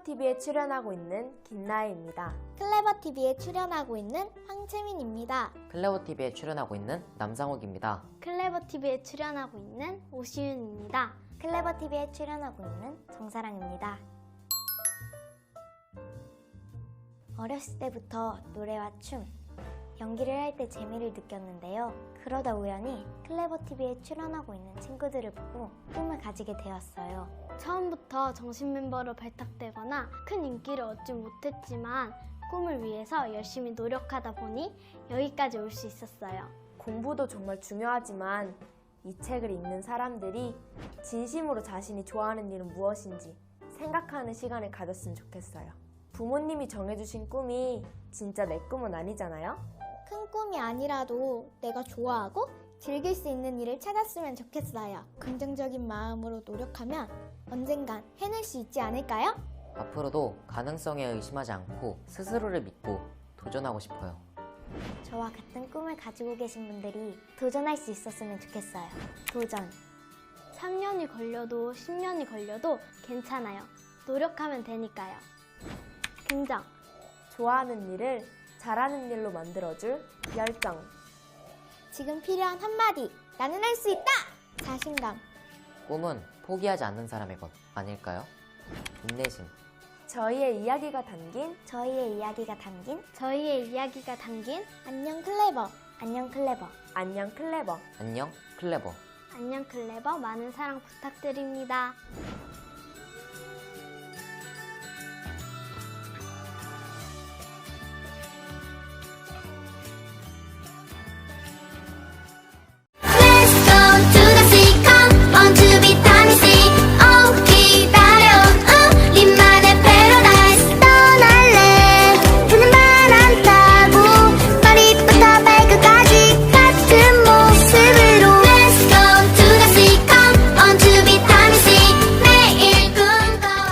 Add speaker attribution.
Speaker 1: TV에 출연하고 있는 김나혜입니다.
Speaker 2: 클레버TV에 출연하고 있는 황채민입니다.
Speaker 3: 클레버TV에 출연하고 있는 남상욱입니다.
Speaker 4: 클레버TV에 출연하고 있는 오시윤입니다.
Speaker 2: 클레버TV에 출연하고 있는 정사랑입니다. 어렸을 때부터 노래와 춤, 연기를 할 때 재미를 느꼈는데요. 그러다 우연히 클레버TV에 출연하고 있는 친구들을 보고 꿈을 가지게 되었어요.
Speaker 4: 처음부터 정식 멤버로 발탁되거나 큰 인기를 얻지 못했지만 꿈을 위해서 열심히 노력하다 보니 여기까지 올 수 있었어요.
Speaker 1: 공부도 정말 중요하지만 이 책을 읽는 사람들이 진심으로 자신이 좋아하는 일은 무엇인지 생각하는 시간을 가졌으면 좋겠어요. 부모님이 정해주신 꿈이 진짜 내 꿈은 아니잖아요?
Speaker 2: 큰 꿈이 아니라도 내가 좋아하고 즐길 수 있는 일을 찾았으면 좋겠어요. 긍정적인 마음으로 노력하면 언젠간 해낼 수 있지 않을까요?
Speaker 3: 앞으로도 가능성에 의심하지 않고 스스로를 믿고 도전하고 싶어요.
Speaker 2: 저와 같은 꿈을 가지고 계신 분들이 도전할 수 있었으면 좋겠어요. 도전.
Speaker 4: 3년이 걸려도 10년이 걸려도 괜찮아요. 노력하면 되니까요. 긍정.
Speaker 1: 좋아하는 일을 잘하는 일로 만들어줄 열정.
Speaker 2: 지금 필요한 한마디. 나는 할 수 있다! 자신감.
Speaker 3: 꿈은 포기하지 않는 사람의 것 아닐까요? 인내심.
Speaker 1: 저희의 이야기가 담긴
Speaker 2: 저희의 이야기가 담긴
Speaker 4: 저희의 이야기가 담긴
Speaker 2: 안녕 클레버. 안녕 클레버.
Speaker 1: 안녕 클레버.
Speaker 3: 안녕 클레버.
Speaker 4: 안녕 클레버 많은 사랑 부탁드립니다.